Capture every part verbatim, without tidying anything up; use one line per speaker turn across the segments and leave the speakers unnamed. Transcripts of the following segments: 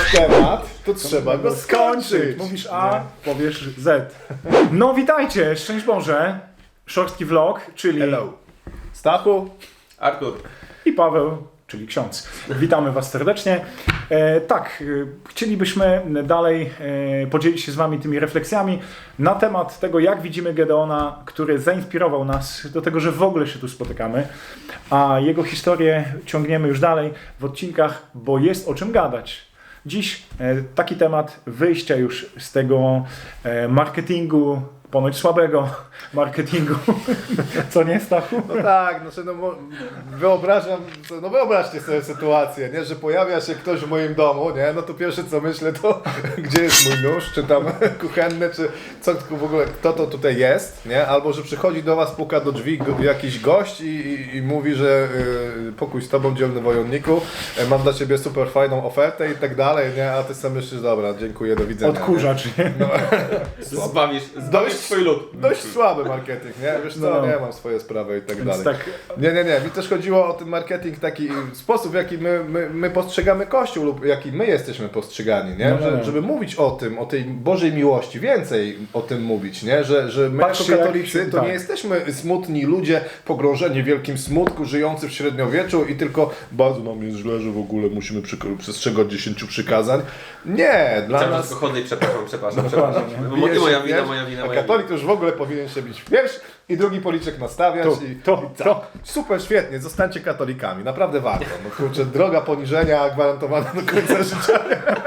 temat, to trzeba go skończyć.
Mówisz A, powiesz Z. No witajcie, szczęść Boże. Szorstki vlog, czyli
Hello. Stachu.
Artur.
i Paweł, czyli ksiądz. Witamy Was serdecznie. E, tak, e, chcielibyśmy dalej e, podzielić się z Wami tymi refleksjami na temat tego, jak widzimy Gedeona, który zainspirował nas do tego, że w ogóle się tu spotykamy, a jego historię ciągniemy już dalej w odcinkach, bo jest o czym gadać. Dziś e, taki temat wyjścia już z tego e, marketingu, ponoć słabego marketingu. Co nie, Stachu?
No tak, znaczy no mo- wyobrażam, no wyobraźcie sobie sytuację, nie, że pojawia się ktoś w moim domu, nie, no to pierwsze co myślę to, gdzie jest mój nóż, czy tam kuchenny, czy co w ogóle, kto to tutaj jest, nie, albo że przychodzi do was, puka do drzwi go, jakiś gość i, i, i mówi, że y, pokój z tobą, dzielny wojowniku, y, mam dla ciebie super fajną ofertę i tak dalej, nie, a ty sam myślisz, dobra, dziękuję, do widzenia.
Odkurzacz, nie?
No.
Zbawisz, zbawisz swój lud.
Dość słaby marketing, nie? Wiesz co,
No.
nie mam swoje sprawy i tak
Więc
dalej.
tak,
Nie, nie, nie. Mi też chodziło o ten marketing, taki sposób, w jaki my, my, my postrzegamy Kościół lub jaki my jesteśmy postrzegani, nie?
No, no,
Że,
no.
żeby mówić o tym, o tej Bożej miłości, więcej o tym mówić, nie? Że, że my
Patrzcie,
jako
jak
katolicy
się-
to
tak.
nie jesteśmy smutni ludzie, pogrążeni w wielkim smutku, żyjący w średniowieczu i tylko bardzo nam jest źle, że w ogóle musimy przyk- przestrzegać dziesięciu przykazań. Nie, dla
Cały czas
nas...
tylko chodzę i przepraszam, przepraszam,
Dokładnie,
przepraszam.
Bije
Mo-
się
Moja
w
wina,
pierś,
moja wina,
a
moja
katolik
wina.
to już w ogóle powinien się bić w pierś i drugi policzek nastawiać.
To,
i,
to,
i
to.
Super, świetnie, zostańcie katolikami, naprawdę warto. No kurczę, droga poniżenia gwarantowana do końca życia.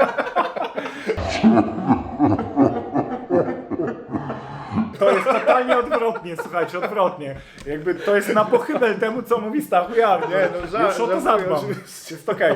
to jest totalnie odwrotnie, słuchajcie, odwrotnie. Jakby to jest na pochybel temu, co mówi Stachu Jar.
Nie, no żart,
Już o to
żartuję,
zadbam.
oczywiście.
Jest okej. E,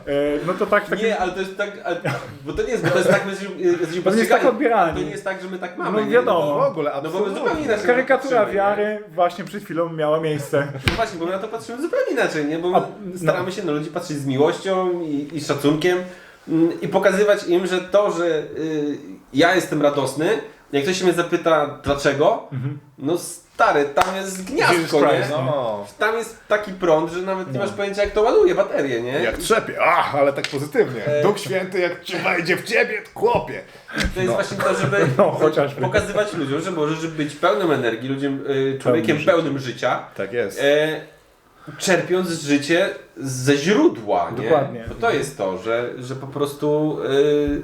No to tak, tak.
Nie, ale to jest tak, ale, bo to nie jest, bo to jest tak, my jesteśmy, jesteśmy
To nie jest
postrzegani.
tak odbieralnie.
To nie jest tak, że my tak mamy.
No
nie?
wiadomo.
W ogóle,
No bo my
absolutnie.
zupełnie inaczej
Karykatura
patrzymy, nie?
wiary właśnie przed chwilą miała miejsce.
No właśnie, bo my na to patrzymy zupełnie inaczej, nie? Bo my
A, no.
staramy się na ludzi patrzeć z miłością i, i szacunkiem mm, i pokazywać im, że to, że y, ja jestem radosny, jak ktoś się mnie zapyta dlaczego, no stary, tam jest gniazdko,
Jesus
nie?
Christ,
No,
Tam jest taki prąd, że nawet nie masz pojęcia jak to ładuje baterię, nie?
jak trzepie, ach, ale tak pozytywnie. Duch Święty jak ci wejdzie w ciebie, chłopie.
To jest właśnie to, żeby
No, chociażby.
pokazywać ludziom, że możesz być pełnym energii, ludziom, y, człowiekiem
życia.
pełnym życia,
Tak jest.
e, czerpiąc życie ze źródła, nie?
Dokładnie.
Bo to jest to, że, że po prostu y,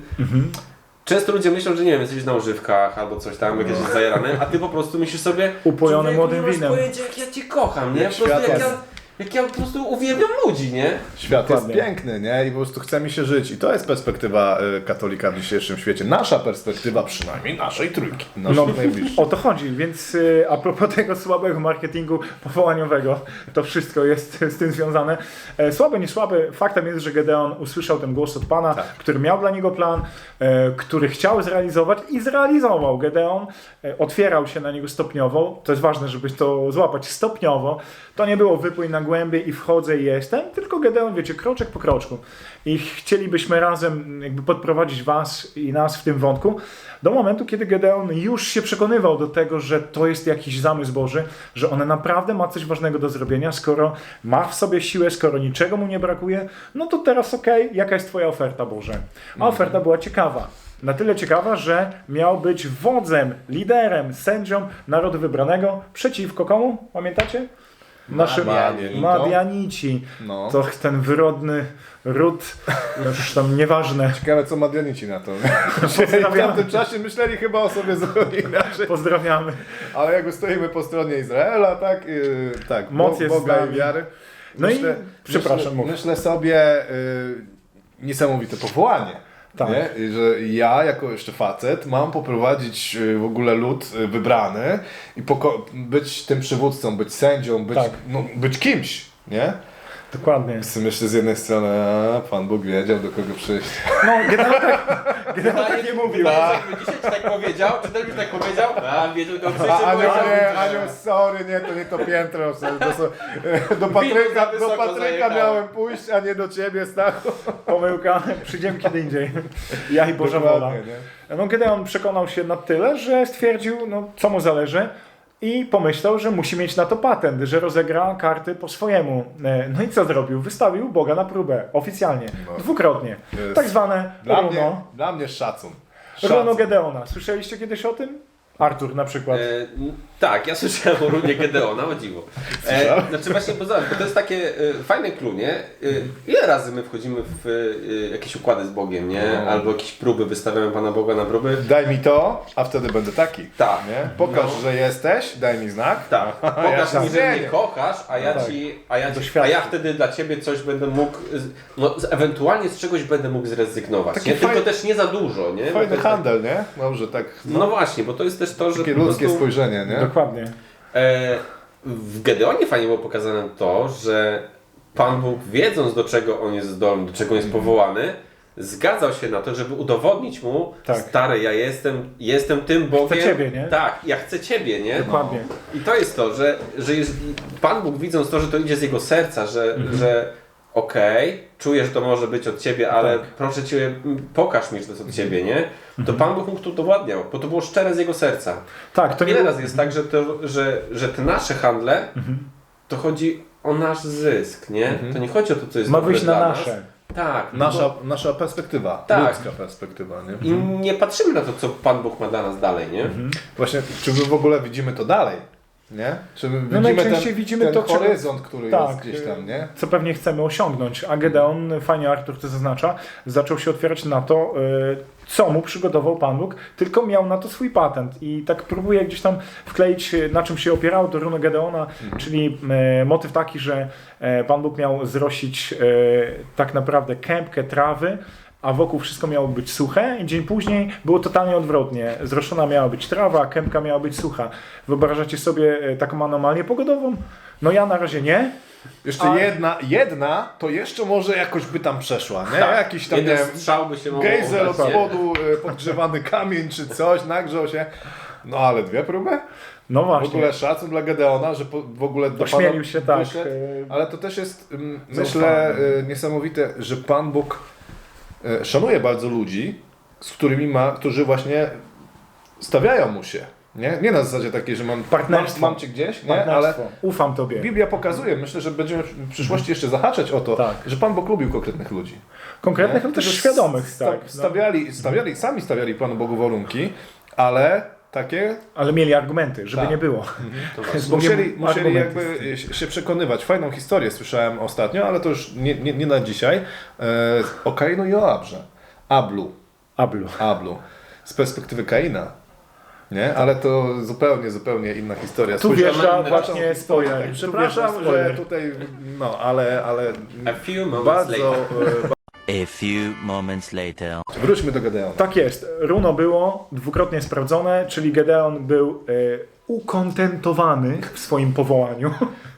często ludzie myślą, że nie wiem, jesteś na używkach albo coś tam, jakieś jest zajarane, a ty po prostu myślisz sobie,
Upojony
człowieku,
młodym
nie masz
winem.
pojęcia, jak ja cię kocham, nie?
Jak
Po prostu
świat
jak
jest.
ja, jak ja po prostu uwielbiam ludzi, nie?
Świat
Dokładnie.
jest piękny, nie? I po prostu chce mi się żyć. I to jest perspektywa y, katolika w dzisiejszym świecie. Nasza perspektywa, przynajmniej naszej trójki. Naszych
No,
najbliższych.
o to chodzi, więc y, a propos tego słabego marketingu powołaniowego, to wszystko jest z tym związane. E, słaby, nie słaby, faktem jest, że Gedeon usłyszał ten głos od Pana,
Tak.
który miał dla niego plan, e, który chciał zrealizować i zrealizował. Gedeon e, otwierał się na niego stopniowo, to jest ważne, żeby to złapać stopniowo. To nie było wypłyń na głębię i wchodzę i jestem, tylko Gedeon, wiecie, kroczek po kroczku. I chcielibyśmy razem jakby podprowadzić Was i nas w tym wątku do momentu, kiedy Gedeon już się przekonywał do tego, że to jest jakiś zamysł Boży, że on naprawdę ma coś ważnego do zrobienia, skoro ma w sobie siłę, skoro niczego mu nie brakuje, no to teraz okej, jaka jest Twoja oferta, Boże? A oferta była ciekawa. Na tyle ciekawa, że miał być wodzem, liderem, sędzią narodu wybranego przeciwko komu? Pamiętacie? Naszym
Madianitom.
Madianici.
No.
To ten wyrodny ród, już tam nieważne.
Ciekawe, co Madianici na to. W
Pozdrawiamy.
tamtym czasie myśleli chyba o sobie zupełnie inaczej.
Pozdrawiamy.
Ale jakby stoimy po stronie Izraela, tak? Yy, tak,
Moc
Bo-
jest z
Boga
nami.
i wiary.
No i przepraszam,
myślę,
mów.
myślę sobie yy, niesamowite powołanie.
Tak.
Nie? I że ja jako jeszcze facet mam poprowadzić yy, w ogóle lud yy, wybrany i poko- być tym przywódcą, być sędzią, być,
Tak.
no, być kimś, nie?
Dokładnie.
Myślę z jednej strony, a, Pan Bóg wiedział, do kogo przyjść.
No, Gedeon tak, Gedeon tak nie mówił.
Wydaje się, jakby dzisiaj ci tak powiedział, czy ten byś tak powiedział, a wiedział tylko
A,
przyjdzie,
Aniu,
powiedział.
nie, Aniu, sorry, nie, to nie to piętro. To są, do Patryka,
za
do
wysoko
Patryka
zajechałem.
miałem pójść, a nie do ciebie, Stachu.
Pomyłka, przyjdziemy kiedy indziej. Ja i Boża wola.
Dokładnie, nie?
No, Gedeon przekonał się na tyle, że stwierdził, no, co mu zależy. i pomyślał, że musi mieć na to patent, że rozegra karty po swojemu. E, No i co zrobił? Wystawił Boga na próbę, oficjalnie,
No.
dwukrotnie.
Jest.
Tak zwane
Dla
runo,
mnie, dla mnie szacun.
runo
Szacun.
Gedeona. Słyszeliście kiedyś o tym? Artur na przykład.
E, n- tak, ja słyszałem o runie Gedeona, o dziwo. E,
Słyszałem?
znaczy właśnie, bo zobacz, bo to jest takie e, fajne clue, nie? E, ile razy my wchodzimy w e, jakieś układy z Bogiem, nie?
No.
Albo jakieś próby, wystawiamy Pana Boga na próby.
Daj mi to, a wtedy będę taki.
Tak.
Nie? Pokaż,
No.
że jesteś, daj mi znak.
Tak, pokaż
ja
mi, że
zmienię.
mnie kochasz, a ja,
Tak.
ci, a, ja ci, a
Doświadczę.
ja wtedy dla Ciebie coś będę mógł, z- no z- ewentualnie z czegoś będę mógł zrezygnować,
Taki
nie? Tylko
fajny-
też nie za dużo, nie? Bo to
Fajny
jest
handel, nie? Dobrze, tak.
Tak, no właśnie, bo to jest też to, że
Takie
po
ludzkie
prostu,
spojrzenie, nie?
Dokładnie.
e, w Gedeonie fajnie było pokazane to, że Pan Bóg, wiedząc do czego on jest zdolny, do czego on jest powołany, zgadzał się na to, żeby udowodnić mu,
Tak.
stary, ja jestem, jestem tym Bogiem.
Ciebie, nie?
Tak, ja chcę Ciebie, nie?
Dokładnie.
I to jest to, że, że jest, Pan Bóg widząc to, że to idzie z jego serca, że, że okej, czuję, że to może być od Ciebie, ale
Tak.
proszę Cię, m, pokaż mi, że to jest od Ciebie, nie? To Pan Bóg mu to udowadniał, bo to było szczere z jego serca.
Tak, to nie
Ile
było-
razy jest tak, że, to, że, że te nasze handle, to chodzi o nasz zysk, nie? To nie chodzi o to, co jest
ma
dobre
wyjść na
dla
nasze.
nas. Tak.
Nasza, nasza perspektywa,
Tak.
ludzka perspektywa, nie?
I nie patrzymy na to, co Pan Bóg ma dla nas dalej, nie?
Właśnie, czy my w ogóle widzimy to dalej? Nie? Czy my
No
widzimy
najczęściej
ten,
widzimy
ten
to, czego-
horyzont, który
Tak,
jest gdzieś tam, nie?
co pewnie chcemy osiągnąć. A Gedeon, fajnie Artur to zaznacza, zaczął się otwierać na to, y, co mu przygotował Pan Bóg, tylko miał na to swój patent. I tak próbuję gdzieś tam wkleić, y, na czym się opierało to runo Gedeona, czyli y, motyw taki, że y, Pan Bóg miał zrosić y, tak naprawdę kępkę trawy, a wokół wszystko miało być suche i dzień później było totalnie odwrotnie. Zroszona miała być trawa, a kępka miała być sucha. Wyobrażacie sobie e, taką anomalię pogodową? No ja na razie nie.
Jeszcze
A-
jedna, jedna, to jeszcze może jakoś by tam przeszła, nie?
Tak.
Jakiś tam, nie
Jeden
wiem,
strzał by się mógł
gejzel od
udać, nie?
spodu, y, podgrzewany kamień czy coś, nagrzał się. No ale dwie próby?
No
W
właśnie.
ogóle szacun dla Gedeona, że po, w ogóle do
Ośmielił
Pana
się tak.
wyszedł.
e,
Ale to też jest, ym,
Zaufany.
myślę, y, niesamowite, że Pan Bóg y, szanuje bardzo ludzi, z którymi ma, którzy właśnie stawiają mu się. Nie, nie na zasadzie takiej, że mam, mam,
Partnerstwo.
mam cię gdzieś, nie? ale
Partnerstwo. Ufam Tobie.
Biblia pokazuje, myślę, że będziemy w przyszłości jeszcze zahaczać o to,
Tak.
że Pan Bóg lubił konkretnych ludzi.
Konkretnych, ale też
Którzy
świadomych.
sta-
Tak, no.
stawiali, stawiali, sami stawiali Panu Bogu warunki, ale takie
Ale mieli argumenty, żeby
Tak.
nie było.
To właśnie.
Z Bogiem
musieli, musieli
argumenty.
jakby się- się przekonywać. Fajną historię słyszałem ostatnio, ale to już nie, nie, nie na dzisiaj. E, o Kainu i o Abrze. Ablu.
Ablu.
Ablu. Z perspektywy Kaina. Nie? Ale to zupełnie, zupełnie inna historia.
Tu
Spojrzałem
wjeżdża
na inną
właśnie
historię.
spoiler.
Tak,
Tu
przepraszam,
wjeżdża spoiler.
że tutaj, no ale, ale
A few moments
bardzo...
later.
E,
A few moments later.
wróćmy do Gedeona.
Tak jest. Runo było dwukrotnie sprawdzone, czyli Gedeon był e, ukontentowany w swoim powołaniu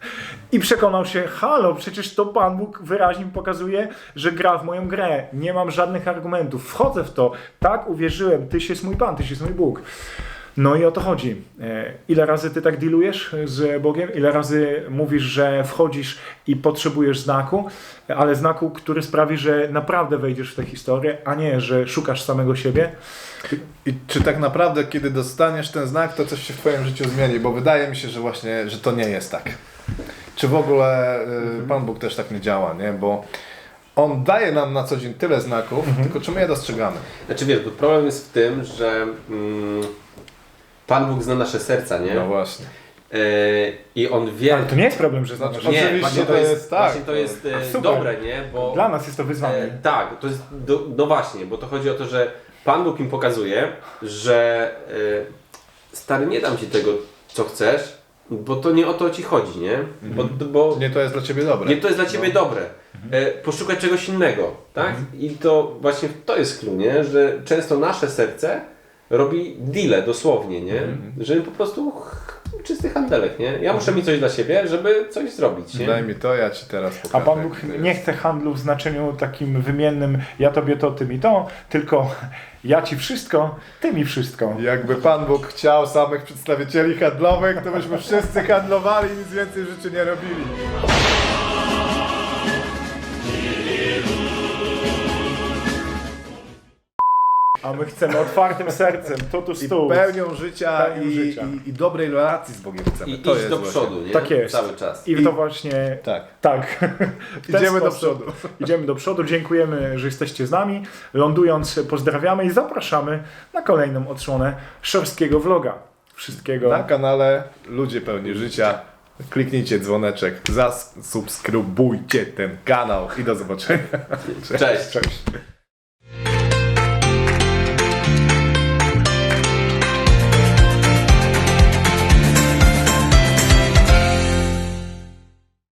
i przekonał się, halo, przecież to Pan Bóg wyraźnie mi pokazuje, że gra w moją grę. Nie mam żadnych argumentów. Wchodzę w to. Tak, uwierzyłem. Tyś jest mój Pan, Tyś jest mój Bóg. No i o to chodzi. E, Ile razy ty tak dealujesz z Bogiem? Ile razy mówisz, że wchodzisz i potrzebujesz znaku, ale znaku, który sprawi, że naprawdę wejdziesz w tę historię, a nie, że szukasz samego siebie?
I czy tak naprawdę, kiedy dostaniesz ten znak, to coś się w Twoim życiu zmieni? Bo wydaje mi się, że właśnie, że to nie jest tak. Czy w ogóle y, Pan Bóg też tak nie działa, nie? Bo On daje nam na co dzień tyle znaków, tylko czy my je dostrzegamy?
Znaczy wiesz, bo problem jest w tym, że mm, Pan Bóg zna nasze serca, nie?
No właśnie.
E, I On wie...
Ale to nie jest problem, że znasz.
Znaczy,
nie,
oczywiście
właśnie
to
to jest,
jest tak.
właśnie to jest e,
Super.
dobre, nie? Bo
Dla nas jest to wyzwanie.
E, tak, to jest, do, no właśnie, bo to chodzi o to, że Pan Bóg im pokazuje, że e, stary, nie dam Ci tego, co chcesz, bo to nie o to Ci chodzi, nie? Bo, bo
Nie to jest dla Ciebie dobre.
nie to jest dla Ciebie dobre. E, poszukać czegoś innego, tak? I to właśnie to jest clue, nie? Że często nasze serce robi deale dosłownie, nie? Że po prostu ch- czysty handelek, nie? Ja muszę mieć coś dla siebie, żeby coś zrobić, nie?
Daj mi to, ja Ci teraz
A
pokażę.
Pan Bóg
jak to
nie
jest.
chce handlu w znaczeniu takim wymiennym ja tobie to, ty mi to, tylko ja ci wszystko, ty mi wszystko.
Jakby Pan Bóg chciał samych przedstawicieli handlowych, to byśmy wszyscy handlowali i nic więcej w życiu nie robili.
A my chcemy otwartym sercem, totus
I
tu.
pełnią życia,
Pełnią
i,
życia.
I, i dobrej relacji z Bogiem chcemy.
I
to
iść
jest
do
właśnie.
przodu, nie?
Tak jest.
Cały czas.
I
I-
to właśnie
Tak.
tak. W ten
Idziemy do
sposób
przodu.
Idziemy do przodu. Dziękujemy, że jesteście z nami. Lądując, pozdrawiamy i zapraszamy na kolejną odsłonę szorstkiego vloga. Wszystkiego.
Na kanale Ludzie Pełni Życia. Kliknijcie dzwoneczek, zasubskrybujcie ten kanał i do zobaczenia.
Cześć.
Cześć.